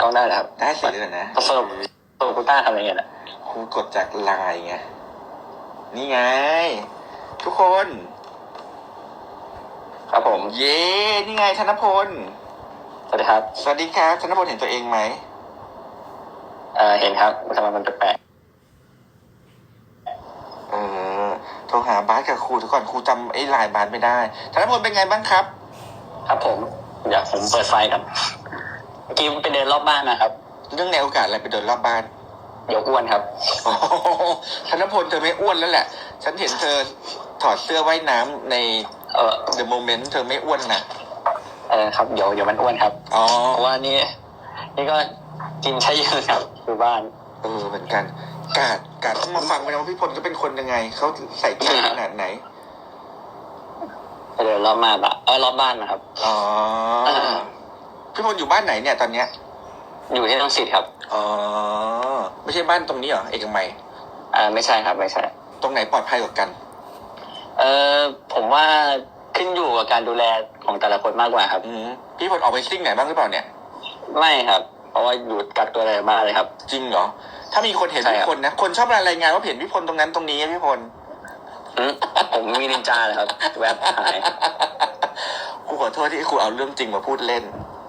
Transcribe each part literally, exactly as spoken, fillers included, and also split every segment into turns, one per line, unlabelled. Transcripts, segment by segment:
ต้องได้ครับ
ได้สิเลยนะ
สรุปตัวกูต้าทำอะไรเงี้ย
ครูกดจากไลน์ไงนี่ไงทุกคน
ครับผม
เย้นี่ไงธนพล
สวัสดีครับ
สวัสดีครับธนพลเห็นตัวเองไหม
เออเห็นครับทำไมมันแปลก
เออโทรหาบาสกับครูทุกคนครูจำไอ้ไลน์บาสไม่ได้ธนพลเป็นไงบ้างครับ
ครับผมอยากผมเปิดไฟครับเมื่อกี้ไปเดินรอบบ้านนะครับ
เรื่องในโอกาสอะไรไปเดินรอบบ้าน
เดี๋ยวอ้วนครับ
ธนพลเธอไม่อ้วนแล้วแหละฉันเห็นเธอถอดเสื้อว่ายน้ำในเอ่อ The Moment เธอไม่อ้วนนะ
เออครับเดี๋ยวเดี๋ยวมันอ้วนครับอ๋อเพราะว่านี่นี่ก็กินใช้เยอะครับอยู่บ้าน
เออเหมือนกันกาดกาดต้องมาฟังไปนะว่าพี่พลก็เป็นคนยังไงเขาใส่ใจขนาดไหน
เดี๋ยวรอบบ้านอะเออรอบบ้านนะครับ
อ๋อพี่พลอยู่บ้านไหนเนี่ยตอนเนี้ย
อยู่ที่รังสิตครับ
อ๋อไม่ใช่บ้านตรงนี้เหรอเอกมัย
อ่าไม่ใช่ครับไม่ใช่
ตรงไหนปลอดภัยกว่ากัน
เออผมว่าขึ้นอยู่กับการดูแลของแต่ละคนมากกว่าครับ
อืมพี่พลออกไปซิ่งไหนบ้างหรือเปล่าเนี่ย
ไม่ครับเพราะว่าอยู่กักตัวอะไรมาเลยครับ
จริงเหรอถ้ามีคนเห็นพี่พลนะคนชอบรายงานว่าเห็นพี่พลตรงนั้นตรงนี้พี่พล
ผมมีนินจาเลยครับแวบหาย
ครูขอโทษที่ครูเอาเรื่องจริงมาพูดเล่น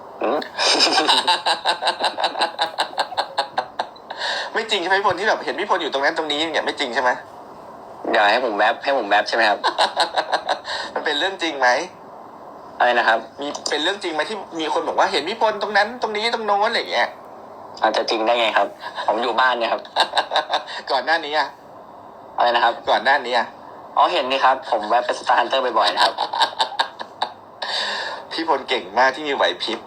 ไม่จริงใช่ไหมพี่พลที่แบบเห็นพี่พลอยู่ตรงนั้นตรงนี้เนี่ยไม่จริงใช่ไหม
อยากให้ผมแวบให้ผมแวบใช่ไหมครับ
มันเป็นเรื่องจริงไหม
อะไรนะครับ
มีเป็นเรื่องจริงไหมที่มีคนบอกว่าเห็นพี่พลตรงนั้นตรงนี้ตรงโน้นอะไรอย่างเงี้ย
อาจจะจริงได้ไงครับผมอยู่บ้านเนี่ยครับ
ก่อนหน้านี้อะ
อะไรนะครับ
ก่อนหน้านี้อะ
อ๋อเห็นนี่ครับผมแวะไปสตาร์ฮันเตอร์บ่อยๆนะครับ
พี่พลเก่งมากที่มีไหวพริบ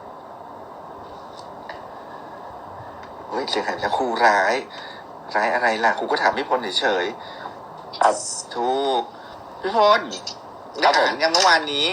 เฮ้ยเสียงหายแล้วครูร้ายร้ายอะไรล่ะครูก็ถามพี่พลเฉย
ๆครับ
ถูกพี่พลได้อ่านยังเมื่อวานนี้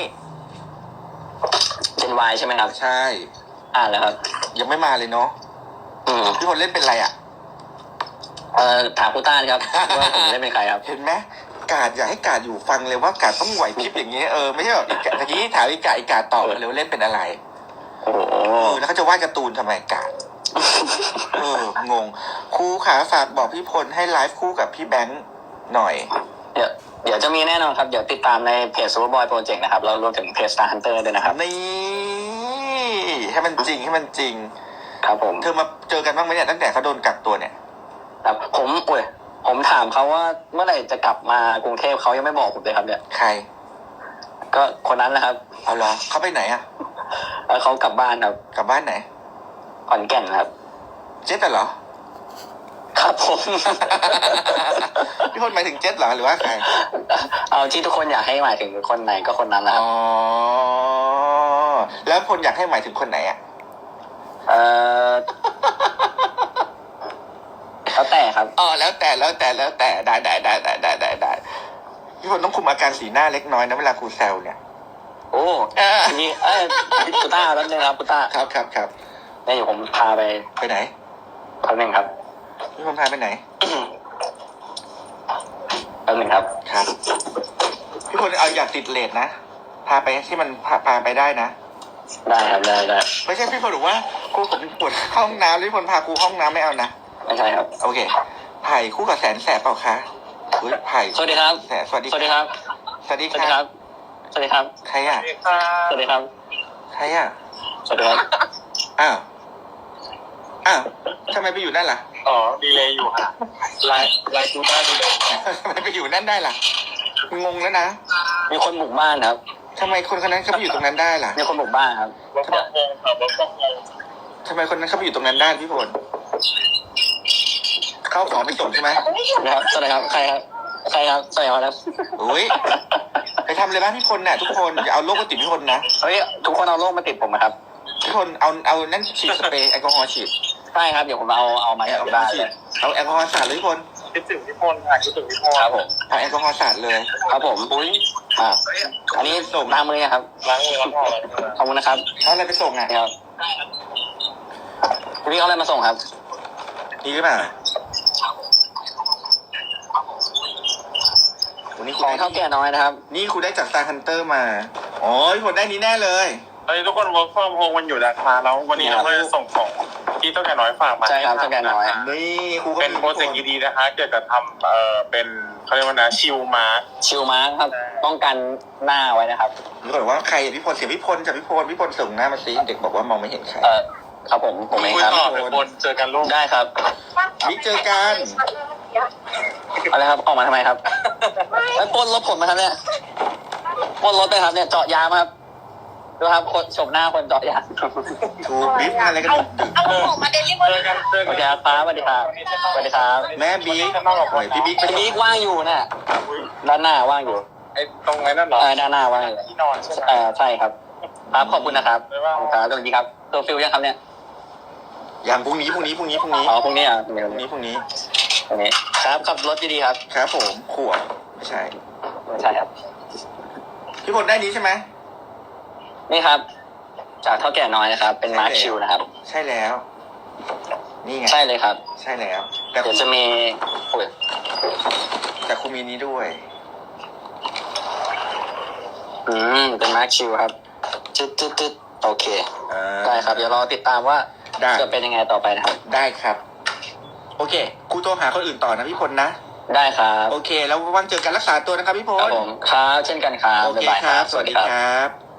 เป็นวายใช่ไหมครับ
ใช่
อ่านแล้วครับ
ยังไม่มาเลยเนาะพี่พลเล่นเป็นอะไรอ่ะ
เอ่อถามคุณต้านครับว่าผมเล่นเป็นใครครับ
เห็นไหมกาดอยากให้กาดอยู่ฟังเลยว่ากาดต้องไหวพริบอย่างนี้เออไม่ใช่แบบอีกทีนี้ถามอีกาอีกาตอบเลยว่าเล่นเป็นอะไร
โอ้โห
แล้วเขาจะวาดการ์ตูนทำไมกาดเอองงครูขาฝากบอกพี่พลให้ไลฟ์คู่กับพี่แบงค์หน่อย
เดี๋ยวเดี๋ยวจะมีแน่นอนครับเดี๋ยวติดตามในเพจ Superboy Project นะครับแล้วรวมถึงเพจ Star Hunter ด้วยนะครับ
นี่ให้มันจริงให้มันจริง
ครับผม
เธอมาเจอกันบ้างไหมเนี่ยตั้งแต่เขาโดนกักตัวเนี่ย
ครับผมอุ้ยผมถามเขาว่าเมื่อไหร่จะกลับมากรุงเทพเขายังไม่บอกผมเลยครับเนี่ย
ใคร
ก็คนนั้นแหละครับ
เอาเหรอเขาไปไหนอ่ะ
เขากลับบ้านครับ
กลับบ้านไหน
ขอนแก่นครับ
เจ็ดเหรอ
ครับผม
พี่พลหมายถึงเจ็ดเหรอหรือว่าใคร
เอาที่ทุกคนอยากให้หมายถึงคนไหนก็คนนั้นนะครับ
อ๋อแล้วพลอยากให้หมายถึงคนไหนอ่ะ
เออแล้วแต่ครับ
อ๋อแล้วแต่แล้วแต่แล้วแต่ได้ได้ได้ได้ได้ได้ได้พี่พลต้องคุมอาการสีหน้าเล็กน้อยนะเวลาครูแซวเนี่ย
โอ้มีเอ้ยปุต้าแล้วนึงครับปุต้า
ครับครับครับ
นี่อยู่ผมพาไป
ไปไหน
แป๊บนึงครับ
พี่พลพาไปไหน
แป๊บนึงครับ
ครับพี่พลเอาอย่าติดเลทนะพาไปที่มันพาพาไปได้นะ
ได้ครับได้ได้
ไม่ใช่พี่พลบอกว่าครูผมปวดห้องน้ำพี่พลพาครูห้องน้ำไม่เอานะ
ไม่ใช่ครับ
โอเคไผ่คู่กับแสนแสบเปล่าคะเฮ้ยไผ่
สวัสดีครับ
แสสวัสดี
สวัสดีครับ
สวัสดีครับ
สวัสดีครับ
ใครอ่ะ
สวัสดีครับ
ใครอ่ะ
สวัสดีครับ
อ้าวอ้าวทำไมไปอยู่นั่นล่ะ
อ๋อดีเลยอยู่ค่ะไลน์ไลน์ดูได้ดีเลย
ทำไมไปอยู่นั่นได้ล่ะงงแล้วนะ
มีคนบุกบ้านครับ
ทำไมคนคนนั้นเขาไปอยู่ตรงนั้นได้ล่ะ
มีคนบุกบ้านครับ
ว่าก็งงครับว่าก็งงทำไมคนนั้นเขาไปอยู่ตรงนั้นได้พี่พลเข้าของไปส่งใช่ไหม
นะครับสวัสดีครับใครครับใครครับสวัสดีครับ
อุ้ยไปทำเลยนะพี่พลน่ะทุกคนอย่าเอาโรคมาติดพี่พลนะ
เฮ้ยทุกคนเอาโรคมาติดผมนะครับ
พี่พลเอาเอานั่นฉีดสเปรย์แอลกอฮอล์ฉีด
ใช่ครับเดี๋ยวผมเอาเอามาเอาได้
เอาแอลกอฮอล์สาดเลยพี่พล
คิดถึงพี่พลค่ะคิดถึงพี่พลครับผม
เอาแอลกอฮอล์สาดเลย
ครับผมอุ้ยอ่าอันนี้ส่งล้างมือครับล้างมือครับขอบคุณนะครับ
เอาอะไรไปส่งอ่ะ
ครับพี่เอาอะไรมาส่งครับ
นี่หรือเปล่า
วันนี้ของเท่าแก่น้อยนะครับ
นี่คุณได้จาก Star Hunter มาอ๋อพี่พลได้นี้แน่เลย
อ
อนนี้ทุกคน work from home มันอยู่นะคะแล้ววันนี้เราก็จะส่งของที่เท่าแก่น้อยฝากมา
ใช่ครับเท่าแก่น้อย
นี่ครูก็
เป็น
มี
โปรเจกต์ดีๆนะคะ เกี่ยวกับทำเอ่อเป็นเขาเรียกว่านะชิลมาร์
ชิลมาร์คครับป้องกันหน้าไว้นะครับ
มีคนบอกว่าใครพี่พลเสียงพี่พลจากพี่พลพี่พลส่งหน้ามาซิเด็กบอกว่ามองไม่เห็นใคร
เออครับผมผมเอง
คุย
ครับ
ต่อเป็นคนเจอกันลูก
ได้ครับ
บิ๊กเจอกัน
อะไรครับออกมาทำไมครับไอ้ปล้นรถผมมาครับเนี่ยปล้นรถไปครับเนี่ยเจาะยางมาครับดูครับคนชมหน้าคนเจาะยาง
ถูกบิ๊กงานอะไรกันดึก
เอาของมาเดลิเวอ
เจอ
รี่
กันเจอ
โอ
กัน
เคครับป้าสวัสดีครับสวัสดีครับ
ๆแม่บิ๊กหน่อยพี่บิ๊กไป
พี่บิ๊กว่างอยู่น่ะด้านหน้าว่างอยู่
ไอ้ตรงไหนนั่นเหรอ
เออด้านหน้าว่างอยู่
ที่นอนใช่ไหม
เออใช่ครับครับขอบคุณนะครับ
บ๊ายบาย
ขอบคุณครับสวัสดีครับตัวฟิลยังครับเนี่ย
อย่างพรุ่งนี้พรุ่งนี้พรุ่งนี้พรุ่งนี้
อ๋อพรุ่งนี้อ่ะเดี๋ยว
พรุ่งนี้พรุ่งนี้
ตรงนี้ครับขับรถดีๆครับ
ครับผมขวบไม่ใช่
ไม่ใช่ครับ
พี่พลได้นี้ใช่ไหม
นี่ครับ จากเท่าแก่น้อยนะครับ เป็นมาร์คชิลนะครับ
ใช่แล้ว นี่ไง
ใช่เลยครับ
ใช่แล้ว แต่
เดี๋ยวจะมีโอ้ย
แต่ครูมีนี้ด้วย
อืมเป็นมาร์คชิลครับจึ๊ดจึ๊ดจึ๊ดโอเค
อ่า
ได้ครับ เดี๋ยวรอติดตามว่า
ได้
จะเป็นยังไงต่อไปนะครับ
ได้ครับ โอเคครูโทรหาคนอื่นต่อนะพี่พลนะ
ได้ครับ
โอเค แล้วว่างเจอกันรักษาตัวนะครับพี่พ
ครับ
ล
ผมครับเช่นกันครับ
โอเค
บ๊ายบาย
ครับ สวัสดีครับ